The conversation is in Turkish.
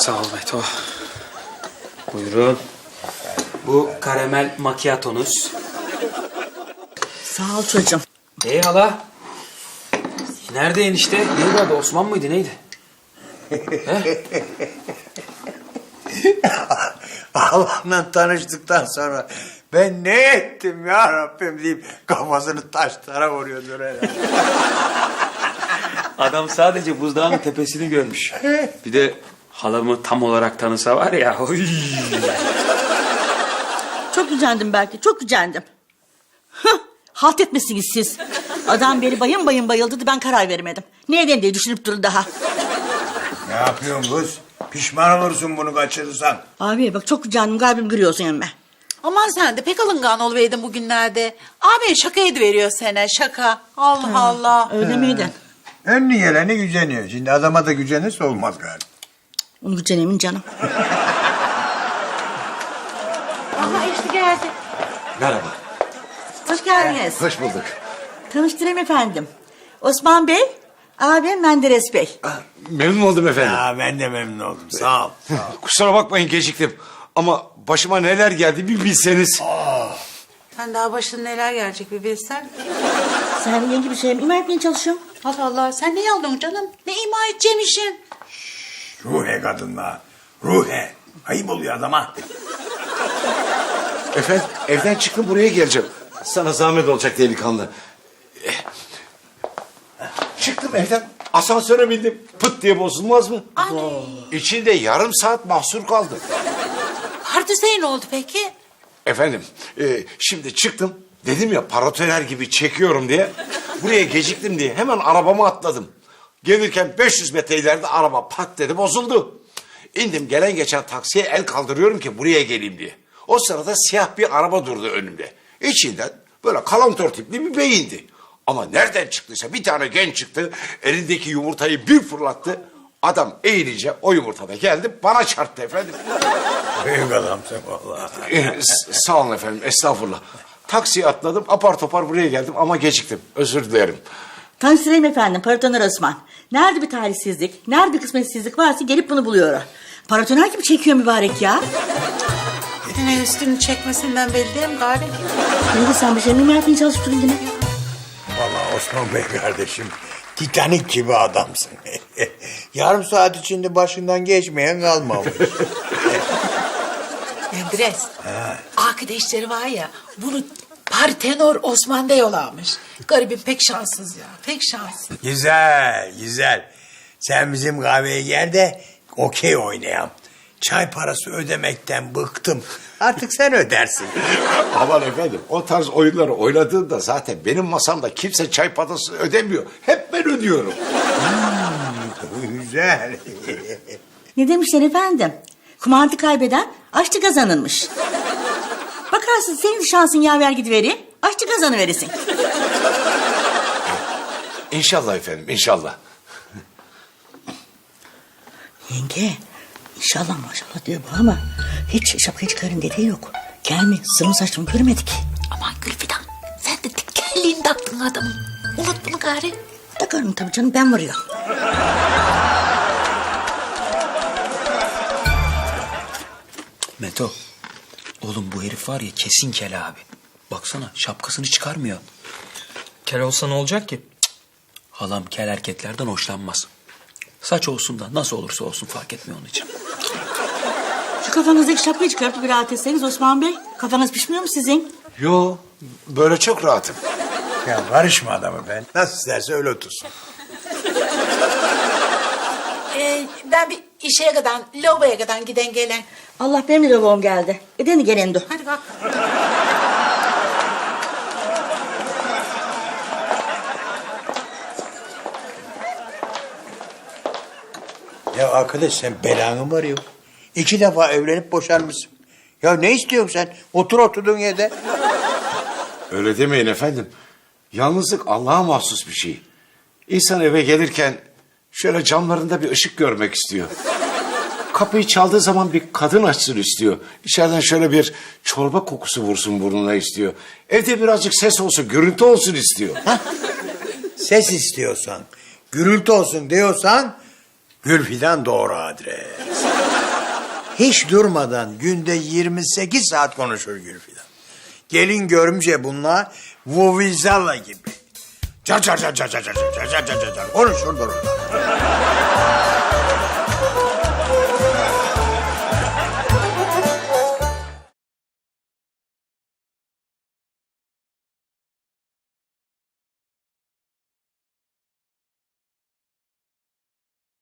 Sağ ol Meto. Buyurun. Bu karamel macchiato'nuz. Sağ ol çocuğum. Hala. Nerede enişte? Neydi adı? Osman mıydı? Neydi? Allah'la tanıştıktan sonra ben ne ettim ya Rabbim deyip kafasını taşlara vuruyordur herhalde. Adam sadece buzdağının tepesini görmüş. Bir de halamı tam olarak tanısa var ya. Oy. Çok gücendim belki, çok gücendim. Hıh, halt etmişsiniz siz. Adam beni bayım bayım bayıldırdı, ben karar veremedim. Ne edeyim diye düşünüp durun daha. Ne yapıyorsun kız? Pişman olursun bunu kaçırırsan. Abi bak çok gücendim, kalbim kırıyorsun emme. Aman sen de pek alıngan oluveydin bugünlerde. Abi şaka ediveriyor sana, şaka. Allah Allah. Öyle miydin? Önüne geleni güceniyor. Şimdi adama da gücenirse olmaz galiba. Onu gücenemin canım. Aha işte geldi. Merhaba. Hoş geldiniz. Hoş bulduk. Tanıştırayım efendim. Osman Bey, abim Menderes Bey. Memnun oldum efendim. Ya ben de memnun oldum. Sağ ol. Kusura bakmayın geciktim. Ama başıma neler geldi bir bilseniz. Sen daha başına neler gelecek bir bilsen. Sen yeni bir şey mi ima etmeye çalışıyorsun? Allah Allah, sen ne yaldın canım? Ne ima edeceğim işin? Ruhe kadınla. Ruhe. Ayıp oluyor adama. Efendim evden çıktım buraya geleceğim. Sana zahmet olacak delikanlı. Çıktım evden asansöre bindim. Pıt diye bozulmaz mı? Anne. İçinde yarım saat mahsur kaldım. Hardüsey ne oldu peki? Efendim şimdi çıktım. Dedim ya paratoner gibi çekiyorum diye. Buraya geciktim diye hemen arabama atladım. Gelirken 500 metre ileride araba pat dedi bozuldu. İndim gelen geçen taksiye el kaldırıyorum ki buraya geleyim diye. O sırada siyah bir araba durdu önümde. İçinden böyle kalantör tipli bir bey indi. Ama nereden çıktıysa bir tane genç çıktı. Elindeki yumurtayı bir fırlattı. Adam eğilince o yumurta da geldi bana çarptı efendim. Büyük adamsın vallahi. Sağ olun efendim estağfurullah. Taksiye atladım apar topar buraya geldim ama geciktim. Özür dilerim. Tanıştırayım efendim, Paratoner Osman. Nerede bir talihsizlik, nerede bir kısmetsizlik varsa gelip bunu buluyor. Paratoner gibi çekiyor mübarek ya. Yine üstünü çekmesinden belli değil mi gari? Neydi sen bir şey mi yapmaya çalıştın yine? Vallahi Osman Bey kardeşim. Titanik gibi adamsın. Yarım saat içinde başından geçmeyen kalmamış. Menderes. Arkadaşları var ya, bunu Partenor Osman'da yollamış. Garibim pek şanssız ya, pek şanssız. Güzel, güzel. Sen bizim kahveye gel de okey oynayalım. Çay parası ödemekten bıktım. Artık sen ödersin. Aman efendim o tarz oyunları oynadığında zaten benim masamda kimse çay parası ödemiyor. Hep ben ödüyorum. Güzel. Ne demişler efendim? Kumartı kaybeden aşçı kazanılmış. Bakarsın senin şansın yaver gidiverir, aşçı kazanıverirsin. İnşallah efendim inşallah. Yenge, inşallah maşallah diyor bu ama hiç şapkayı çıkarın dediği yok. Gelme, sırmı saçımı görmedik. Aman Gülfidan, sen de tekerliğini taktın adamın. Unut bunu gari. Takarım tabii canım, ben varıyorum. Meto. Oğlum bu herif var ya kesin kel abi. Baksana şapkasını çıkarmıyor. Kel olsa ne olacak ki? Halam kel erkeklerden hoşlanmaz. Saç olsun da nasıl olursa olsun fark etmiyor onun için. Şu kafanızdaki şapkayı çıkartıp bir rahat etseniz Osman Bey. Kafanız pişmiyor mu sizin? Yo böyle çok rahatım. Ya karışma adamı ben. Nasıl isterse öyle otursun. Ben bir işe kadar, lavaboya kadar giden gelen. Allah benim de lavabom geldi. Edeni gelen de. Hadi kalk. Ya arkadaş sen belanı mı arıyorsun? 2 defa evlenip boşanmışsın. Ya ne istiyorsun sen? Otur oturduğun yerde. Öyle demeyin efendim. Yalnızlık Allah'a mahsus bir şey. İnsan eve gelirken şöyle camlarında bir ışık görmek istiyor. Kapıyı çaldığı zaman bir kadın açsın istiyor. İçeriden şöyle bir çorba kokusu vursun burnuna istiyor. Evde birazcık ses olsun, gürültü olsun istiyor. Ses istiyorsan, gürültü olsun diyorsan Gülfidan doğru adres. Hiç durmadan günde 28 saat konuşur Gülfidan. Gelin görümce bunlar Vuvuzela gibi. Car car car car car car car car car car konuşur dururlar.